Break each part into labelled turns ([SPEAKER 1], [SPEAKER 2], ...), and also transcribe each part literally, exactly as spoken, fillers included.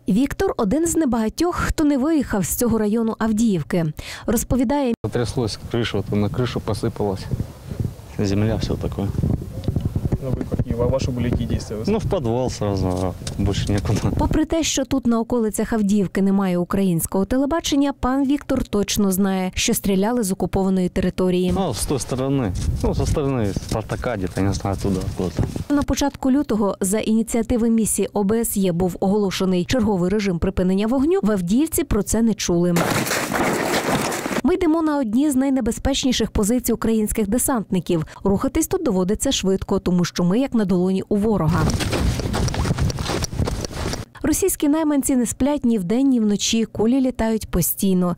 [SPEAKER 1] Віктор – один з небагатьох, хто не виїхав з цього району Авдіївки. Розповідає,
[SPEAKER 2] потряслось кришу, то на кришу посипалось. Земля, все таке.
[SPEAKER 3] Ну, вы какие? Ваши были какие действия?
[SPEAKER 2] Ну, в підвал сразу, а більше нікуди.
[SPEAKER 1] попри те, що тут на околицях Авдіївки немає українського телебачення, пан Віктор точно знає, що стріляли з окупованої території.
[SPEAKER 2] Ну, з тої сторони. Ну, зі сторони Спартака, десь, не знаю, туди, куди.
[SPEAKER 1] На початку лютого за ініціативи місії О Б С Є був оголошений черговий режим припинення вогню. В Авдіївці про це не чули. Ми йдемо на одні з найнебезпечніших позицій українських десантників. Рухатись тут доводиться швидко, тому що ми як на долоні у ворога. Російські найманці не сплять ні вдень, ні вночі, кулі літають постійно.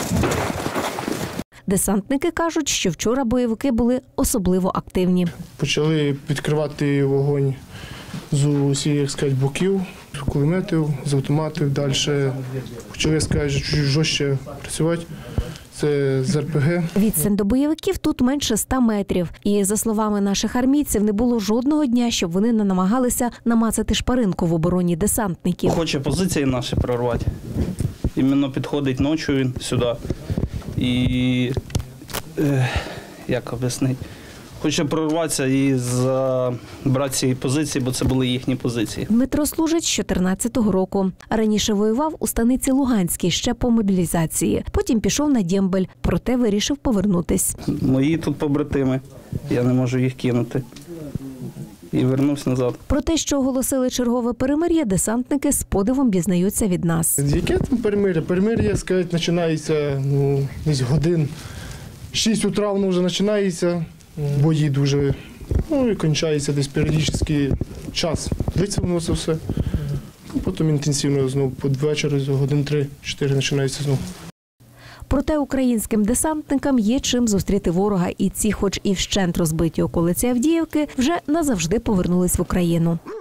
[SPEAKER 1] Десантники кажуть, що вчора бойовики були особливо активні.
[SPEAKER 4] Почали відкривати вогонь з усіх, як сказати, боків, з кулеметів, з автоматів. Далі почали, як сказати, чуть жорстче працювати. Це з Ер Пе Ге.
[SPEAKER 1] Відстань до бойовиків тут менше ста метрів. І, за словами наших армійців, не було жодного дня, щоб вони не намагалися намацати шпаринку в обороні десантників.
[SPEAKER 5] Хоче позиції наші прорвати. Іменно підходить ночі він сюди. І, е, як об'яснити, хоче прорватися і забрати ці позиції, бо це були їхні позиції.
[SPEAKER 1] Дмитро служить з чотирнадцятого року. Раніше воював у станиці Луганській ще по мобілізації. Потім пішов на Дембель, проте вирішив повернутись.
[SPEAKER 5] Мої тут побратими, я не можу їх кинути. І вернувся назад.
[SPEAKER 1] Про те, що оголосили чергове перемир'я, десантники з подивом дізнаються від нас.
[SPEAKER 4] Яке там перемир'я? Перемир'я, сказати, починається ну, десь годин. шість утра воно вже починається. Бої дуже, ну і кончається десь періодичний час. Длиться воно це все. Потім інтенсивно знову під вечір, годин три-чотири починається знову.
[SPEAKER 1] Проте українським десантникам є чим зустріти ворога, і ці, хоч і вщент розбиті околиці Авдіївки, вже назавжди повернулись в Україну.